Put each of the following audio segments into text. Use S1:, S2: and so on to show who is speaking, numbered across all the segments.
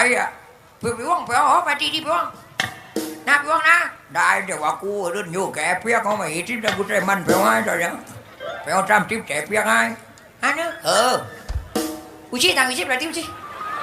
S1: อ่ะพี่ว่องไปเอาไปที่พี่ว่องนะพี่ว่องนะได้เดี๋ยวว่ากูเดินอยู่แกเปียกเขาไม่ทิพย์แต่กูใจมันไปเอาให้ตอนนี้ไปเอาจำทิพย์แจกเปียกให้ฮะเนอะกูชี้ทางกูชี้แบบที่กูชี้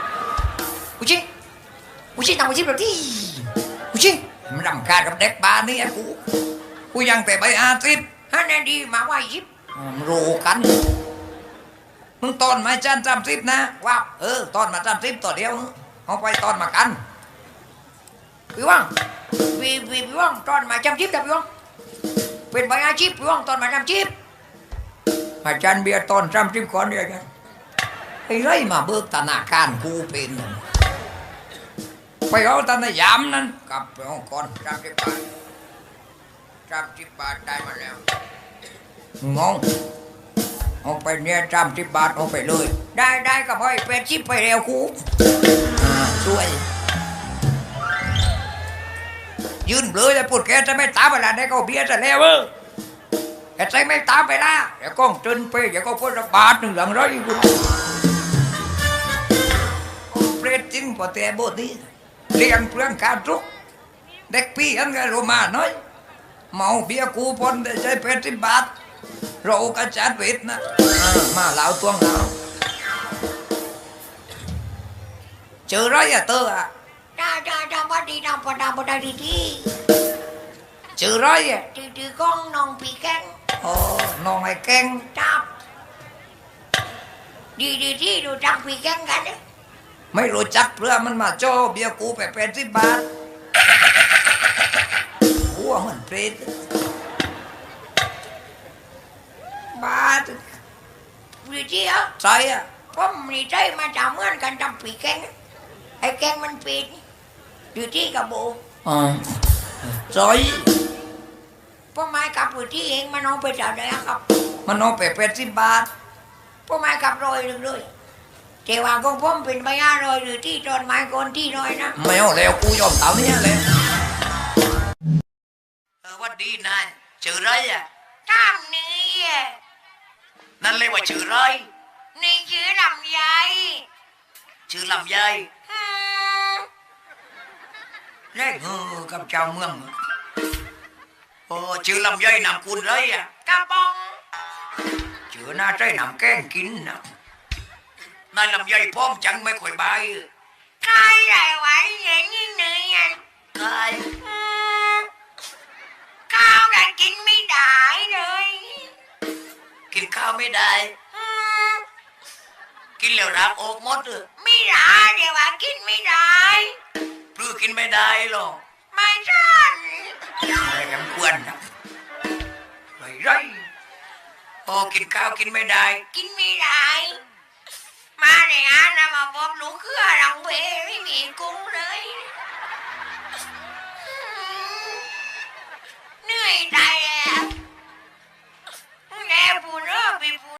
S1: ทางกูชี้แบบที่กูชี้มันรำคาญกับเด็กบ้านนี่ไอ้กูยังแต่ใบอาทิตย์ฮะแน่ดีมาว่ายิบรู้กันมึงตอนมาจันจำทิพย์นะว้าวตอนมาจำทิพย์ต่อเดียวเอาไปตอนมากันพี่ว่างพี่ว่างตอนมาจำทิพย์แต่พี่ว่างเป็นใบอาชีพพี่ว่างตอนมาจำทิพย์อาจารย์เบียร์ตอนจำทิพย์ก่อนเดียวกันไอ้ไรมาเบิกธนาคารกูเป็นไปเอาธนายามนั้นกลับไปเอาก่อน30 บาทได้มาแล้วงงเอาไปเนี่ย30 บาทเอาไปเลยได้กับพ่อไปชิปไปเร็วกูช่วยยืนเลยแต่พูดแกจะไม่ตามเวลาได้ก็เบียร์จะแล้วแกใจไม่ตามไปละเดี๋ยวก้องจนไปเดี๋ยวก็พูดบาทหนึ่งหลังร้อยกูเปรตจริงพอแต่บทนี้เลี้ยงเปลืองการทุกเด็กพี่อันก็รู้มาน้อยเมาเบียร์กูปนได้ใช้80 บาทเรากระจัดเวทนะมาเหลาตัวเหลาเจอไรอะเตออะจ้าพอดีน้องพอดีเจอไรอะจืก้องน้องปีแกงน้องไอ้แกงจับดีที่ดูจักปีแกงกันไม่รู้จักเพื่อมันมาโจเบียร์กูไป80 บาทหัวมันเปรตบาทวิธีอ่ะใช่อ่ะผมนี่ใจมาจากเมื่อนกันทำปีแกงไอ้แกงมันปิดอยู่ที่กับโบใช่พ่อไม้กับอยู่ที่เองมันเอาไปจ่ายได้ครับมันเอาไป80 บาทพ่อไม้กับรอยหนึ่งเลยเจ้าของผมเป็นใบหน้ารอยหรือที่ตอนไม้คนที่รอยนะไม่เอาแล้วกูยอมเต่าเนี่ยเลยวัดดีนายชื่อไรอ่ะตามนี้นั่นเลยว่าชื่อไรนี่ชื่อลำไยชื่อลำไยเล่กับเจ้าเมืองโอ้ชื่อลำไยนำคุณไรอ่ะกระบองชื่อน่าใจนำแกงกินนะนายลำไยพร้อมจังไม่ค่อยใบใครไหนไว้อย่างนี้เนื้อใครข้าวกันกินไม่ได้เลยกินข้าวไม่ได้กินแล้วรักอกหมดเลยไม่ได้เดี๋ยวว่ากินไม่ได้ปลื้กินไม่ได้หรอกไม่ใช่อะไรกันควรนะไรพอกินข้าวกินไม่ได้มาเนี่ยนะมาพบลูกเครือหลังเวไม่มีกุ้ง